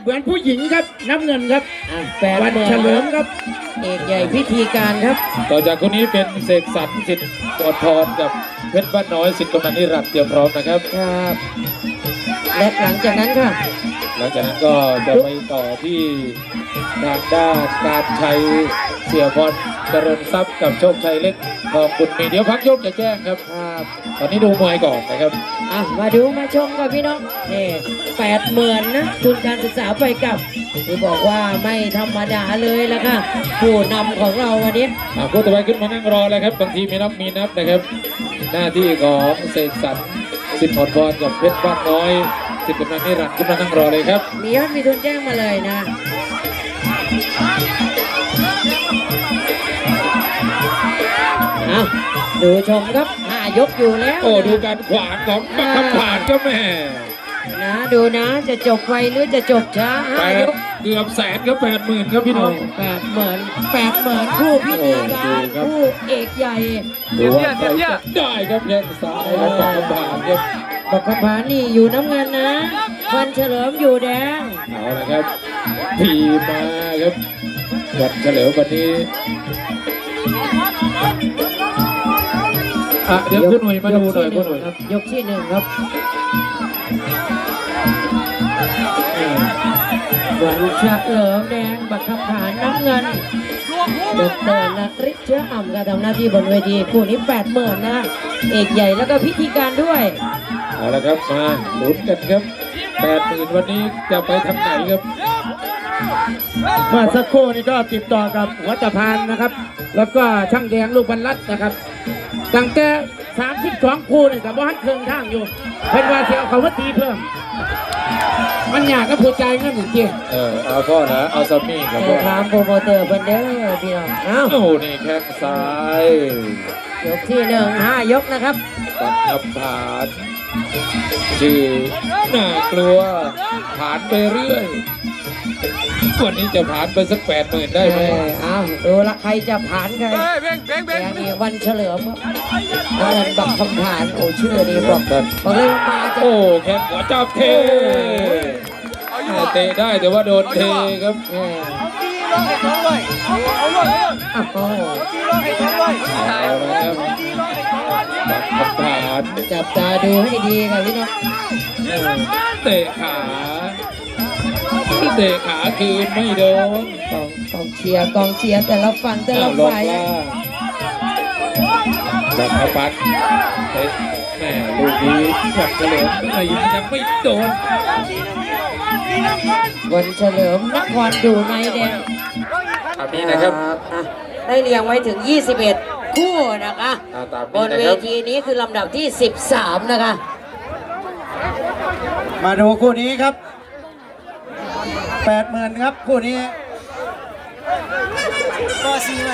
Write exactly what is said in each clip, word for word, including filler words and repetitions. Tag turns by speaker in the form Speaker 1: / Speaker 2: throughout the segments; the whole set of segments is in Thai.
Speaker 1: มือนผู้หญิงครับน้ำเงินครับ
Speaker 2: อ่ะแปด
Speaker 1: วัน
Speaker 2: หมื่น
Speaker 1: เฉลิมครับ
Speaker 2: เอกใหญ่พิธีการครับ
Speaker 3: ต่อจากคนนี้เป็นเสกสรรสิทธิ์กอดพรกับเพชรบ้านน้อยสิทธิ์กำนันนิรันดร์เตรียมพร้อมนะครับ
Speaker 2: ครับและหลังจากนั้นค่ะ
Speaker 3: หลังจากนั้นก็จะไปต่อที่ทางด้านการชัยเสียพรเจริญทรัพย์กับโชคชัยเล็กทองบุญมีเดี๋ยวพักยกจะแจ้งครับ
Speaker 2: ครับ
Speaker 3: ตอนนี้ดูมวยก่อนนะครับ
Speaker 2: อ่ะมาดูมาชมกับพี่น้องนี่แปดหมื่นนะทุนการศึกษาไปกลับที่บอกว่าไม่ธรรมดาเลยละค่ะผู้นำของเราวันนี้
Speaker 3: อ่าผู้ต่อไปขึ้นมานั่งรอแล้วครับบางทีมีนับมีนับนะครับ หน้าที่ของเสกสรรสิทธิ์พรพรกับเพชรบ้านน้อยสิทธิ์กำนันนิรันดร์ขึ้นมานั่งรอเลยครับ
Speaker 2: มียอดมีทุนแจ้งมาเลยนะเอาดูชมครับห้ายกอยู่แล้ว
Speaker 3: โอ้ดูการขวางของบักคำผ่านก็แม่
Speaker 2: นะดูนะจะจบไวหรือจะจบช้า
Speaker 3: แป
Speaker 2: ห้า
Speaker 3: ด
Speaker 2: ยก
Speaker 3: เกือบแสนครับแปดหมื่นครับพี่น้อง
Speaker 2: แปดหมื่นแปดหมื่นคู่พิธีการ
Speaker 3: โอ้ดูครับ
Speaker 2: คู่เอกใหญ่
Speaker 3: ดูว่าใครจะได้ครับแข้งซ้ายของบักคำผ่านครับ
Speaker 2: บักขพานี่อยู่น้ำเงินนะวันเฉลิมอยู่แดง
Speaker 3: เอาละครับทีมาครับวันเฉลิมวันนี้อ่ะเดี๋ยวคุณหน่วยมาดูหน่อยคุณหน่วย
Speaker 2: ครับยกที่หนึ่งครับวันเฉลิมแดงบักขพาน้ำเงินดอกเตอรนฤทธิ์เชื้ออ่ำการทำหน้าที่บนเวทีคู่นี้แปดหมื่นนะเอกใหญ่แล้วก็พิธีการด้วย
Speaker 3: เอาละครับมาลุ้นกันครับแปดหมื่นวันนี้จะไปทางไหนครับ
Speaker 1: เมื่อสักครู่นี้ก็ติดต่อกับหัวตะพานนะครับ แล้วก็ช่างแดงลูกบรรลัดนะครับตั้งแต่สามสิบสองคู่นี่กับว่าเครื่องทางอยู่เพิ่นว่าเสียเขาว่าตีเพิ่ม มันอยากก็ผู้ใจเงินจริง
Speaker 3: เออเอาพ่อนะเอาซัมมี่ครับพ่อ
Speaker 2: ถามโปรโมเตอร์เพิ่นเด้อพี่น้องเอ้า
Speaker 3: โอ้นี่แข้งซ้าย
Speaker 2: ยกที่หนึ่งห้ายกนะครับ
Speaker 3: ปักคำผ่านชื่อน่ากลัวผ่านไปเรื่อยวันนี้จะผ่านไปสักแปดหมื่นได้ไหม
Speaker 2: เออเอาดูละใครจะผ่านใคร
Speaker 4: เฮ้ยเบ่งเบ่ง
Speaker 2: แด
Speaker 4: เบ่ง
Speaker 2: งนี่วันเฉลิมเงินบักคำผ่านโอ้ชื่อนี้บอกบอกเลยว่ามาจะ
Speaker 3: โอ้แข้งหัวจับเท
Speaker 4: เอาอยู่
Speaker 3: เตะได้แต่ว่าโดนเทครับ
Speaker 2: เออ
Speaker 4: พี่ร้องให้สองเลยเอาเอาเลย
Speaker 2: อ้าวโอ้
Speaker 4: พี่ร้องให้สองเลย
Speaker 3: เอาละครับบักคำผ่าน
Speaker 2: จับตาดูให้ดีครับพี่น้อง
Speaker 3: เตะขาเตะขาคืนไม่โดน
Speaker 2: กองกองเชียร์กองเชียร์แต่ละฝั่งแต่
Speaker 3: เอา
Speaker 2: ละ
Speaker 3: ลง
Speaker 2: ฝ่าย
Speaker 3: ล่างบักคำปัดเตะแม่ลูกนี้บักเฉลิมไม่ยังไม่โดน
Speaker 2: วันเฉลิมนครดูในแดง
Speaker 3: ตามนี้นะครับ
Speaker 2: อ่ะได้เรียงไว้ถึง ยี่สิบเอ็ด คู่นะคะ
Speaker 3: อ่าตาม
Speaker 2: บ
Speaker 3: นี้
Speaker 2: น
Speaker 3: นะ
Speaker 2: เว
Speaker 3: ครับ
Speaker 2: ทีนี้คือลำดับที่ สิบสาม นะคะ
Speaker 1: มาดูคู่นี้ครับแปดหมื่นครับคู่นี้
Speaker 4: ก็ซีหน่อย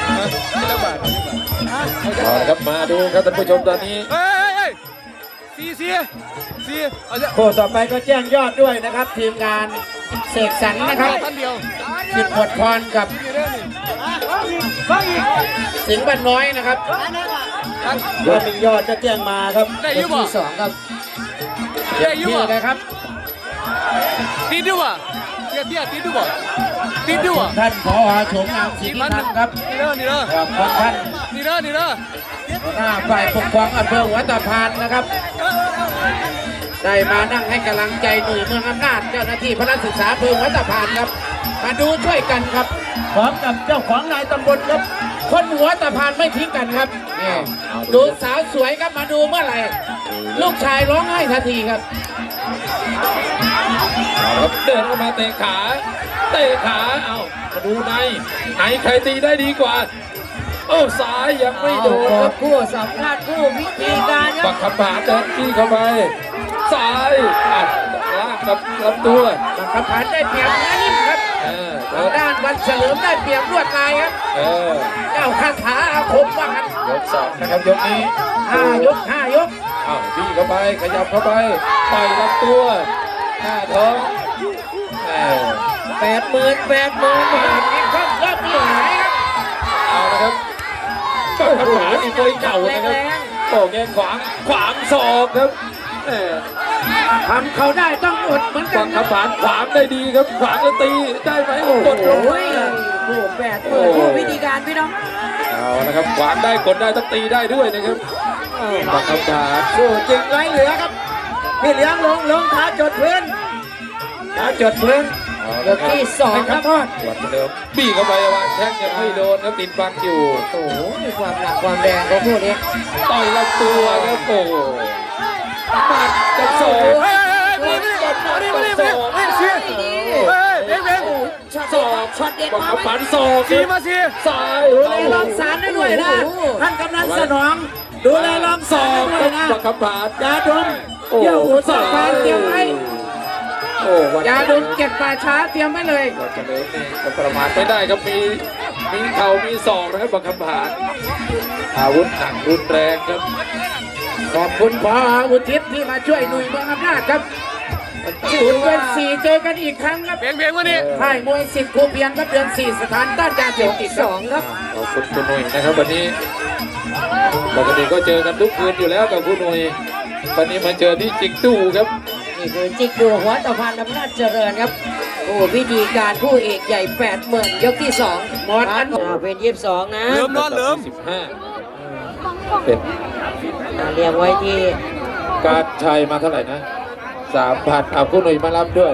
Speaker 3: เอาละครับมาดูครับท่านผู้ชมตอนนี้
Speaker 4: เฮ้ยเฮ้ยซีซีซีเอาเถอะ
Speaker 1: คู่ต่อไปก็แจ้งยอดด้วยนะครับ ทีมงานเสกสรรนะครับ
Speaker 4: ท่านเดียว
Speaker 1: สิทธิ์หมดพรกับ
Speaker 4: ฟังอีก
Speaker 1: สิงห์บ้านน้อยนะครับยอดหนึ่งยอดจะแจ้งมาครับ
Speaker 4: ได้
Speaker 2: ย
Speaker 4: ยุ
Speaker 2: ก
Speaker 4: บอ่ะ
Speaker 2: ที่สองครับ
Speaker 4: ได้ยุบ
Speaker 1: นี่
Speaker 4: อ่ะ
Speaker 1: นะครับ
Speaker 4: ตีดุอ่ะเตี้ยเตี้ยตีดุอ่ะตีดุอ่ะ
Speaker 1: ท่านผอโฉมงามศรีนิพันธ์ครับ
Speaker 4: นี่เด้อนี่เด้อ
Speaker 1: ขอบคุณท่าน
Speaker 4: นี่เด้อนี่เด้อ
Speaker 1: หัวหน้าฝ่ายปกครองอำเภอหัวตะพานนะครับ ได้มานั่งให้กำลังใจหน่วยเมืองอำนาจเจ้าหน้าที่พระศึกษาอำเภอหัวตะพานครับ มาดูช่วยกันครับพร้อมกับเจ้าของนายตำบลครับ คนหัวตะพานไม่ทิ้งกันครับนี่ดูสาวสวยครับมาดูเมื่อไหร่ลูกชายร้องไห้ทันทีครับ
Speaker 3: เอาละครับเดินเข้ามาเตะขาเตะขาเอามาดูในไหนใครตีได้ดีกว่าโอ้ซ้ายยังไม่โดน
Speaker 2: เอา
Speaker 3: ครับ
Speaker 2: คู่สำคัญคู่พิธีการค
Speaker 3: บั
Speaker 2: รับ
Speaker 3: กขบาเดินที่เข้าไปซ้ายอัดล่างกับลำตัว
Speaker 1: บังคับผ่านได้เปรียบนะนิ่มครับ
Speaker 3: เออ
Speaker 1: ทางด้านวันเฉลิมได้เปรียบรวดลายครับ
Speaker 3: เออ
Speaker 1: เจ้าคาถาอาคมว่ากัน
Speaker 3: ยกสองนะครับยกนี้
Speaker 1: ห้ายกห้ายก
Speaker 3: อ้าวบี้เข้าไปขยับเข้าไปต่อยลำตัวหน้าท้องเออ
Speaker 2: แปดหมื่นแปดหมื่นบาท
Speaker 1: มีข้อรอบมีหายครับ
Speaker 3: เอาละครับบักขบาอีกตัวเก่านะครับโอ้แกขวางขวางศอกครับเออ
Speaker 1: ทำเขาได้ต้องอดเหมือนกั
Speaker 3: บั
Speaker 1: น
Speaker 3: ง
Speaker 1: ค
Speaker 3: คั
Speaker 1: รั
Speaker 3: บบ ผานขวางได้ดีครับขวางแล้วตีได้ไหมโอ้กดลง
Speaker 2: โอ้ยคู่แปดหมื่นคู่วิธีการพี่น้อง
Speaker 3: เอาละครับขวางได้กดได้ต้องตีได้ด้วยนะครับบังคับผาน
Speaker 1: สู้จริงไรเหลือครับพี่เลี้ยงลงลงขาจดพื้นขาจดพื้น
Speaker 2: ยกที่สองครับ
Speaker 3: หวัดเดิมบี้เข้าไปวางแข้งยังไม่โดนครับติดบังอยู่
Speaker 2: โอ้โหมีความหนักความแรงของคู่นี้
Speaker 3: ต่อยลำตัวครับโอ้โหหมัดกับศอก
Speaker 4: เฮ้ยเฮ้ยมาดิมาดิมาดิมาดิเฮ้ยเชียร์เฮ้ยเบงเบง
Speaker 2: ช็อตศอกช็อตเด็ด
Speaker 3: บัง
Speaker 2: มา
Speaker 3: คับ
Speaker 2: ไหม
Speaker 3: ผานศอก
Speaker 4: ซีมาซี
Speaker 3: ซ้าย
Speaker 1: ดูแลรองสารได้ด้วยนะท่านกำนันสนองดูแลรองสารได้ด้วยนะ
Speaker 3: บังคับผาน
Speaker 1: ยาดมเยี่ยวหูสอดฟางเตรียมไว้
Speaker 3: โอ้วัน
Speaker 1: ยาดมเก็บป่าช้าเตรียมไว้เลย
Speaker 3: วันเฉลิมนี่ก็ประมาทไม่ได้ครับมีมีเข่ามีศอกนะครับบังคับผานอาวุธหนักรุนแรงครับ
Speaker 1: ขอบคุณพออุทิศที่มาช่วยหน่วยเมืองอำนาจครับศูนย์เดือนสี่เจอกันอีกครั้งครับ
Speaker 4: เบงเบงมาดิ
Speaker 1: ค่ายมวยสิทธิ์ครูเพียงครับเดือนสี่สถานต้านยาเสพติด
Speaker 2: สองครับ
Speaker 3: ขอบคุณคุณหนุ่ยนะครับวันนี้ปกติก็เจอกันทุกคืนอยู่แล้วกับคุณหนุ่ยวันนี้มาเจอที่จิกตู้ครับ
Speaker 2: นี่คือจิกดูหัวตะพานอำนาจเจริญครับโอ้พิธีการคู่เอกใหญ่แปดหมื่นยกที่สองหมดอันอ่าเป็นยี่สิบสองนะ
Speaker 4: เริ่มนอนเริ่ม
Speaker 3: สิบห้าเป็น
Speaker 2: อ่าเรียงไว้ที่
Speaker 3: การชัยมาเท่าไหร่นะสามพันเอาคุณหนุ่ยมารับด้วย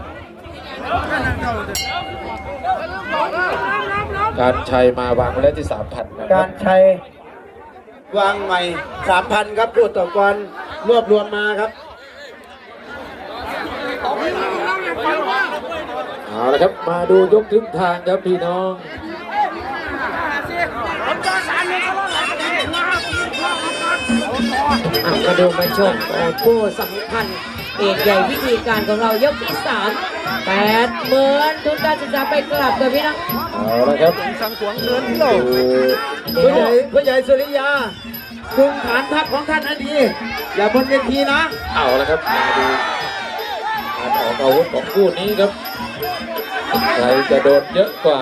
Speaker 3: การชัยมาวางไว้แล้วที่สามพันนะค
Speaker 1: กา
Speaker 3: รับ
Speaker 1: รชัยวางใหม่สามพันครับพูดต่อกรรวบรวมมาครับ
Speaker 3: เอาละครับมาดูยกถึงทางครับพี่น้อง
Speaker 2: อ่ะมาดูมาชมโอ้คู่สำคัญเอกใหญ่พิธีการของเรายกที่สามแปดหมื่นทุนการศึกษาไปกลับกับพี่น้อง
Speaker 3: เอาละครับ
Speaker 4: สังขวงเงิน
Speaker 3: ดู
Speaker 1: ผู้ใหญ่ผู้ใหญ่สุริยาคุมฐานทัพของท่านให้ดีอย่าบนเวทีนะ
Speaker 3: เอาละครับมาดูการออกอาวุธของคู่นี้ครับใครจะโดนเยอะกว่า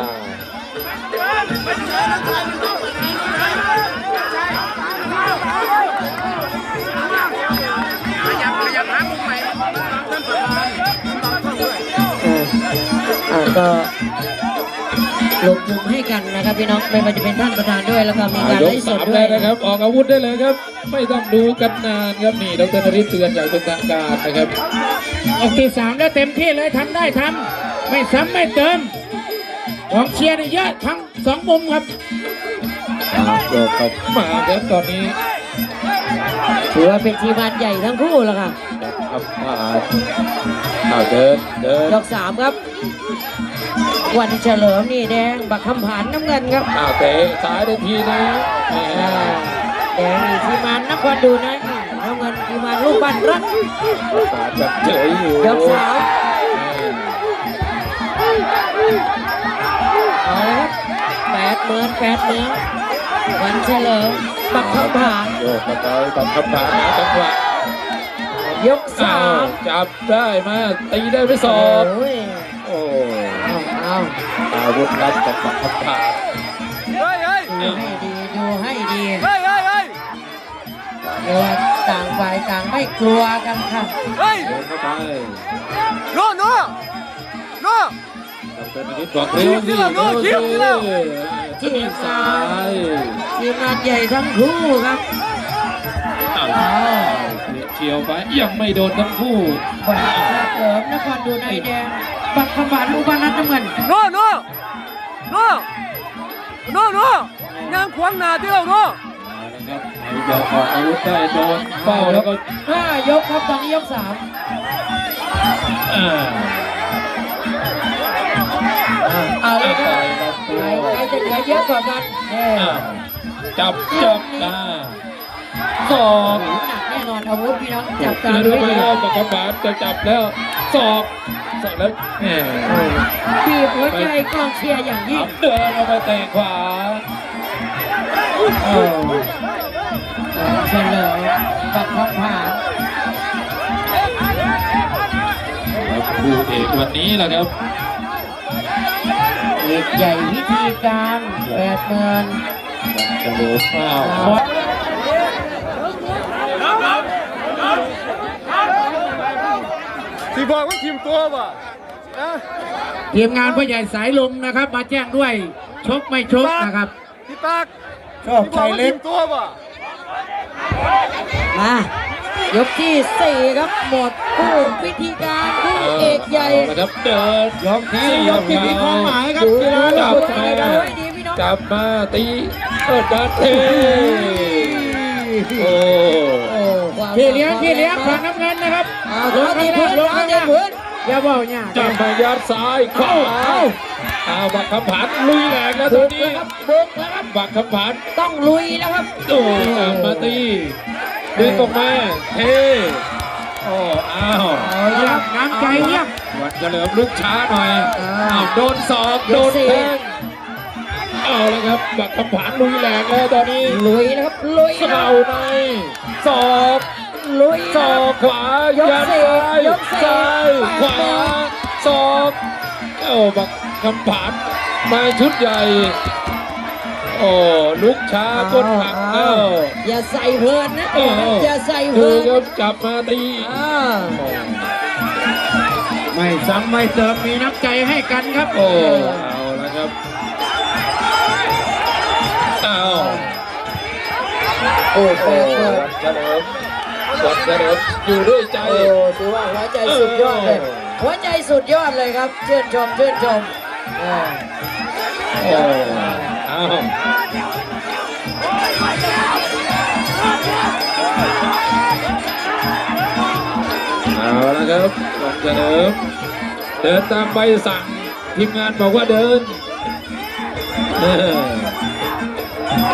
Speaker 2: อ่าก็ลงทุนให้กันนะครับพี่น้องไม่ว่าจะเป็นท่านประธานด้วยแล้วก็มีการ
Speaker 3: ย
Speaker 2: ไล
Speaker 3: ก
Speaker 2: ฟ์ส
Speaker 3: สา
Speaker 2: ด
Speaker 3: ม
Speaker 2: ด้ว
Speaker 3: แล้
Speaker 2: ยว
Speaker 3: นะครับ ออกอาวุธได้เลยครับ ไม่ต้องดูกันนานครับนี่ดรนฤทธิ์เตือนอย่างเป็นทางการนะครับ
Speaker 1: ออกที่สามแล้วเต็มที่เลยทำได้ทำไม่ซ้ำไม่เติมของเชียร์นี่เยอะทั้งสองมุมครับ
Speaker 3: โยกเข้ามาครับตอนนี้
Speaker 2: ถือว่าเป็นทีมงานใหญ่ทั้งคู่แล้วค่ะ
Speaker 3: ครับมาเอาเดินเดิน
Speaker 2: ยกสามครับ วันเฉลิมนี่แดงบักคำผานน้ำเงินครับ
Speaker 3: อ้าวเตะซ้ายได้ทีนะแหม
Speaker 2: อ่าแดงนี่ทีมงานนครดูนะน้ำเงินทีมงานลูกบ้านรัก
Speaker 3: บาดแบบเฉยอยู่
Speaker 2: ยกสามเอาละครับแปดหมื่นแปดหมื่นวันเฉลิมบักคำผาน
Speaker 3: โยกเข้าไปตามคำถามนะจังหวะ
Speaker 2: ยกสา
Speaker 3: อ้าว
Speaker 2: ม
Speaker 3: จับได้มาตีได้ไปสอง
Speaker 2: โอ้ย
Speaker 3: โอ้
Speaker 2: เอาเอา
Speaker 3: อาวุธลับกับคำถาม
Speaker 4: เฮ้ยเฮ้ย
Speaker 2: ดูให้ดีดูให้ดี
Speaker 4: เฮ้ยเฮ้ยเฮ้ย
Speaker 2: เดี๋ยวต่างฝ่ายต่างไม่กลัวกันค่ะ
Speaker 4: เฮ้ย
Speaker 3: เดินเข้าไป
Speaker 4: โน่โน่โน่
Speaker 3: ดรนิดบอกเร็วสิ
Speaker 4: โน่คิ้วนี่แล้ว
Speaker 3: ที่ซ้าย
Speaker 2: ทีมงานใหญ่ทั้งคู่ครับ
Speaker 3: อ้าว
Speaker 2: เอา
Speaker 3: เฉียวไปยังไม่โดนทั้งคู่
Speaker 2: บักเสริมนครดูในแดงบักขบานลูกบ้านนัดน้ำเงิน
Speaker 4: โน่โน่โน่โน่โน่ยางขวางหน้าที่เราโน่
Speaker 3: เอาละครับใครจะออกอาวุธได้โดนเป้าแล้วก็
Speaker 2: ห้ายกครับตอนนี้ยกสาม
Speaker 3: อ่า
Speaker 2: เอาเลยค
Speaker 3: ต่
Speaker 2: รับ
Speaker 3: อยลำตัว
Speaker 2: ใครใครจะเหลือเยอะกว่ากันเน่
Speaker 3: อ่าจับจับอ่าสอก
Speaker 2: หนักแน่นอนอาวุธพี่น้องจับตา
Speaker 3: เดิ
Speaker 2: ดู
Speaker 3: น
Speaker 2: ให้
Speaker 3: ไป
Speaker 2: ดี
Speaker 3: แล้วปากกาบาทจะจับแล้วสอกสอกแล้วแหม
Speaker 2: บีบหัวใจกองเชียร์อย่างยิ่ง
Speaker 3: เดินเอาไปเตะขวา
Speaker 2: โอ้เฉลิมบักขบาน
Speaker 3: คู่เอกวันนี้แหละครับ
Speaker 2: เอกใหญ่วิธีการแปดหมื่น
Speaker 3: จะดูข้าว
Speaker 2: เอา
Speaker 4: สีบอกว่าทีมตัวป่ะนะ
Speaker 1: ทีมงานผู้ใหญ่สายลมนะครับ มาแจ้งด้วยชกไม่ชกนะครับ
Speaker 4: พี่ตาก
Speaker 1: ชอบ
Speaker 4: สีบ
Speaker 1: ชา
Speaker 4: อก
Speaker 1: ย
Speaker 4: ว่า
Speaker 1: เล็
Speaker 4: ที
Speaker 1: ก
Speaker 4: มตัวป่ะ
Speaker 2: มายกที่สี่ครับหมดคู่พิธีการคู่เอกใหญ่
Speaker 3: เอาละครับเดิน
Speaker 1: ยกที่ยกที่มีความหมายครับ
Speaker 2: ดู
Speaker 1: กีฬา
Speaker 2: ดู
Speaker 1: จับ
Speaker 2: ดู
Speaker 1: มา
Speaker 2: ดูให้ดีพี่น้อง
Speaker 3: จับมาตีเอิดดันเทโอ้
Speaker 2: โอ้ความ
Speaker 1: พี่เลี้ยงพี่เลี้ยงฝั่งน้ำเงินนะครับ
Speaker 2: เอา
Speaker 1: ล
Speaker 2: ล
Speaker 1: ง
Speaker 2: ง
Speaker 1: ข้า
Speaker 2: ที
Speaker 1: ง
Speaker 2: ละ
Speaker 1: พื้นลง
Speaker 2: เอา
Speaker 1: ข้าง
Speaker 2: เดิน
Speaker 1: ล่าง
Speaker 2: พื้น
Speaker 1: อย่าบอกเนี่ย
Speaker 3: จับมายัดซ้ายขวา
Speaker 1: เอา
Speaker 3: เอาบักคำผานลุยแรงแล้วต
Speaker 2: บุ
Speaker 3: อน
Speaker 2: ก
Speaker 3: นี้
Speaker 2: แล้วครับบุกแล้วครับ
Speaker 3: บักคำผาน
Speaker 2: ต้องลุยแล้วครับ
Speaker 3: โอ้ตามมาตีดึงออกมาเทโอ้อ้าว
Speaker 2: เอาละ
Speaker 1: เยี่
Speaker 2: ค
Speaker 1: ย
Speaker 2: รั
Speaker 1: ม
Speaker 2: บ
Speaker 1: น้ำใจเยี่ยม
Speaker 3: วันเฉลิมลุกช้าหน่อยอ้าวโดนศอก
Speaker 2: ย
Speaker 3: โด
Speaker 2: ก
Speaker 3: น
Speaker 2: สี่
Speaker 3: แทงเอาแล้วครับบักคำผานลุยแรงแล้วตอนนี้
Speaker 2: ลุยนะครับลุยนะค
Speaker 3: เข่า
Speaker 2: รับ
Speaker 3: ในศอก
Speaker 2: ลุย
Speaker 3: ศ
Speaker 2: นะ
Speaker 3: อ
Speaker 2: ครั
Speaker 3: ก
Speaker 2: บ
Speaker 3: ขวาย
Speaker 2: ก
Speaker 3: ยัด
Speaker 2: สี่
Speaker 3: ซ้าย
Speaker 2: ยกสี่
Speaker 3: ซ้าย
Speaker 2: แปด
Speaker 3: ขวา
Speaker 2: แปด
Speaker 3: ศอกโอ้บักคำผานมาชุดใหญ่ โอ้ลุกช้าก้นหัก
Speaker 2: เอา
Speaker 3: เอ้า
Speaker 2: อย่าใส่เพลินนะ
Speaker 3: เออ
Speaker 2: อย่าใส่เพ
Speaker 3: ดู
Speaker 2: ลิน
Speaker 3: ครับจับมาตี
Speaker 2: อ่า
Speaker 1: ไม่ซ้ำไม่เติมมีน้ำใจให้กันครับ
Speaker 3: โอ้เอาละครับเอา
Speaker 2: โอ้
Speaker 3: โอ้
Speaker 2: เปิดเปิด
Speaker 3: วันเฉลิมวันเฉลิมอยู่ด้วยใจ
Speaker 2: โอ้ถือว่าหัวใจสุดยอดเลย หัวใจสุดยอดเลยครับชื่นชมชื่นชมเออ
Speaker 3: โอ้เอาเอาละครับวันเฉลิมเดินตามใบสั่งทีมงานบอกว่าเดินเออ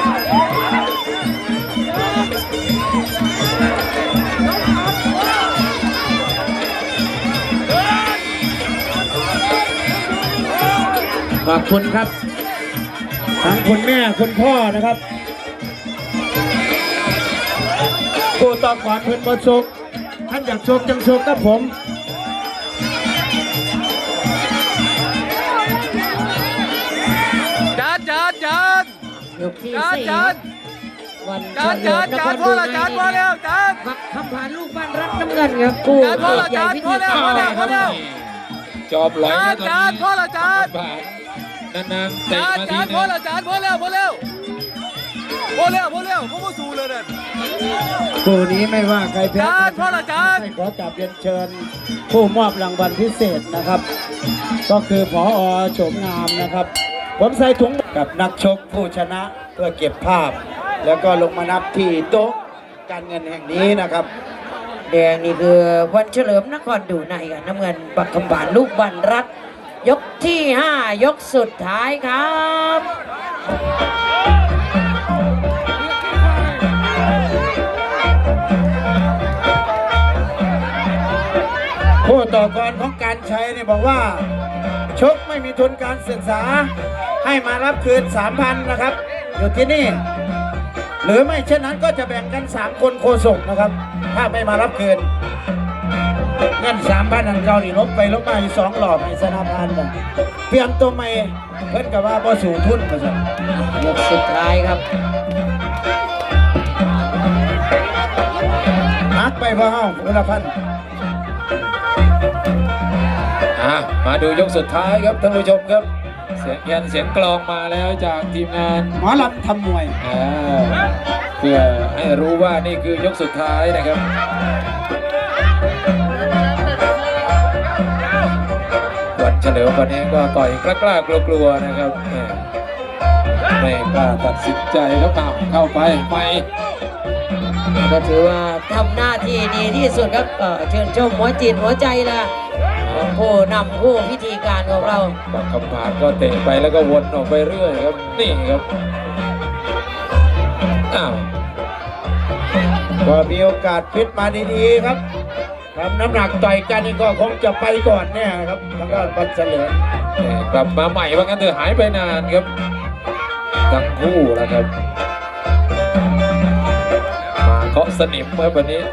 Speaker 1: ขอบคุณครับ ทั้งคุณแม่คุณพ่อนะครับผู้ต่อก่อนเพื่อนประสบท่านอยากโชคจังโชคกับผม
Speaker 4: จานจานจาน
Speaker 2: ยกที่
Speaker 4: จาน
Speaker 2: สี่
Speaker 4: จาน
Speaker 2: วัน
Speaker 4: จาน
Speaker 2: เฉลิ
Speaker 4: จาน
Speaker 2: มน
Speaker 4: จา
Speaker 2: คน ร
Speaker 4: พอละจานพอแล้วจาน
Speaker 2: บักคำผ่านลูกบ้านรัฐน้ำเงินครับคู่
Speaker 4: จานพอ
Speaker 2: เอก
Speaker 4: ละ
Speaker 2: ใหญ่
Speaker 4: จาน
Speaker 2: พิ
Speaker 4: พอ
Speaker 2: ธี
Speaker 4: แล้ว
Speaker 2: การ
Speaker 4: พอแล้วพอแล้ว
Speaker 3: จอบไหล
Speaker 4: จาน
Speaker 3: นะตอน
Speaker 4: จาน
Speaker 3: นี้
Speaker 4: พอละจาน
Speaker 3: ผ่านนานๆเตะ
Speaker 4: จาน
Speaker 3: มา
Speaker 4: จา
Speaker 3: ที
Speaker 4: น
Speaker 3: นึ
Speaker 4: พอง ละจานพอแล้วพอแล้วพอแล้วพอแล้วผมก็สู้เลยนั่น
Speaker 1: คู่นี้ไม่ว่าใครแพ้
Speaker 4: จานพอละจาน
Speaker 1: ให้ขอกราบเรียนเชิญ ผู้มอบรางวัลพิเศษนะครับ ก็คือผอโฉมงามนะครับ ผมใส่ถุงกับนักชกผู้ชนะเพื่อเก็บภาพ แล้วก็ลงมานับที่โต๊ะการเงินแห่งนี้นะครับ
Speaker 2: แดงนี่คือวันเฉลิมนครดูในกับน้ำเงินบักคำผ่านลูกบ้านรัฐยกที่ห้ายกสุดท้ายครับ
Speaker 1: ผู้ต่อกรของการใช้เนี่ยบอกว่า ชกไม่มีทุนการศึกษา ให้มารับคืน สามพัน นะครับ อยู่ที่นี่ หรือไม่เช่นนั้นก็จะแบ่งกัน สาม คนโคศกนะครับ ถ้าไม่มารับคืนเงิน สามพัน อันเก่านี่ลบไปลบมาอยู่สองหลอดในสนาพันธ์เปลี่ยนตัวใหม่เพิ่นกับว่าบ่สูทุนมาสั่น
Speaker 2: ยกสุดท้ายครับ
Speaker 1: หักไปพ่อเฮาอุลพันธ์
Speaker 3: อ่ะมาดูยกสุดท้ายครับท่านผู้ชมครับ เสียงแคนเสียงกลองมาแล้วจากทีมงาน
Speaker 1: หมอลำทำมวย
Speaker 3: อ่าเพื่อให้รู้ว่านี่คือยกสุดท้ายนะครับวันเฉลิมวันนี้ก็ต่อยกล้าๆกลัวๆนะครับแหม่ไม่กล้าตัดสินใจแล้วอ้าวเข้าไปไป
Speaker 2: ก็ถือว่าทำหน้าที่ดีที่สุดครับเอ่อเชิญชมหัวจิตหัวใจละของผู้นำผู้พิธีการของเรา
Speaker 3: บักคำผานก็เตะไปแล้วก็วนออกไปเรื่อยครับนี่ครับอ้าว
Speaker 1: ก็มีโอกาสฟิตมาดีๆครับทำน้ำหนักต่อยกันนี่ก็คงจะไปก่อนแน่ครับทางด้านบัตรเฉลิม
Speaker 3: แหม่กลับมาใหม่ว่างั้นเถอะหายไปนานครับทั้งคู่นะครับมาเคาะสนิมเมื่อวันนี้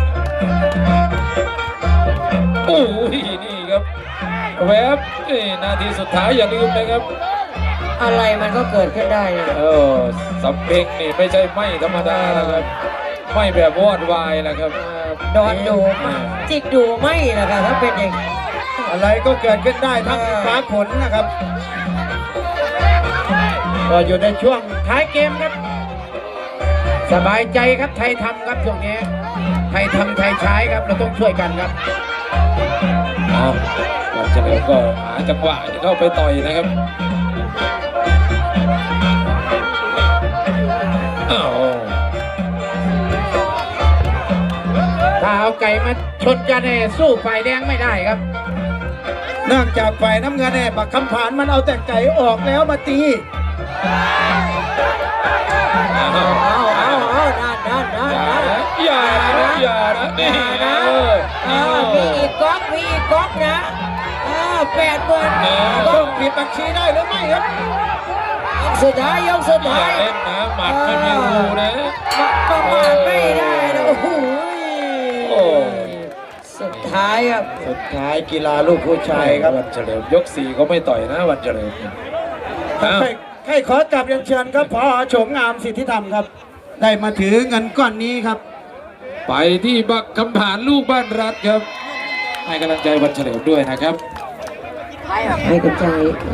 Speaker 3: โอ้ยนี่ครับแวบนี่นาทีสุดท้ายอย่าลืมนะครับ
Speaker 2: อะไรมันก็เกิดขึ้นได้นะ
Speaker 3: เออสำเพ็งนี่ไม่ใช่ไม่ธรรมดานะครับไม่แบบวอดวายนะครับ
Speaker 2: เออโดนดูจิกดูไม่นะครับถ้าเป็นอย่าง
Speaker 5: อะไรก็เกิดขึ้นได้ทั้งฟ้าฝนนะครับก็อยู่ในช่วง
Speaker 1: ท้ายเกมครับ สบายใจครับไทยทำครับช่วงนี้ไทยทำไทยใช้ครับเราต้องช่วยกันครับ
Speaker 3: เอาวันเฉลิมก็หาจังหวะจะเข้าไปต่อยนะครับอ้าว
Speaker 1: ถ้าเอาไก่มาชนกันเนี่ยสู้ฝ่ายแดงไม่ได้ครับ
Speaker 5: เนื่องจากฝ่ายน้ำเงินเนี่ยปักคำผานมันเอาแต่ไก่ออกแล้วมาตี
Speaker 3: อ้าว
Speaker 2: เอาเอาเอานั่นนั่นนั่นนั่น
Speaker 3: อย่านะอย่านะนี่นะ
Speaker 2: เออมีอีกก๊อกมีอีกก๊อกนะเออแปดหมื่น
Speaker 5: ต้องผิดบัญชีได้หรือไม่ครับ
Speaker 2: ยกสุดท้ายยกสุด
Speaker 3: อย่า
Speaker 2: ท้าย
Speaker 3: เล่นนะหมัดไม่มีรูนะ
Speaker 2: ประมาทไม่ได้นะโอ้โห
Speaker 3: โอ้
Speaker 2: สุดท้ายครับ
Speaker 5: สุดท้ายกีฬาลูกผู้ชายครับ
Speaker 3: วันเฉลิมยกสี่เขาไม่ต่อยนะวันเฉลิมอ้าว
Speaker 5: ใครใครขอกลับเรียนเชิญครับพอโฉมงามสิทธิธรรมครับ ได้มาถือเงินก้อนนี้ครับ
Speaker 3: ไปที่บักคำผานลูกบ้านรัฐครับ ให้กำลังใจวันเฉลิมด้วยนะครับ
Speaker 2: ให้กำลังใจ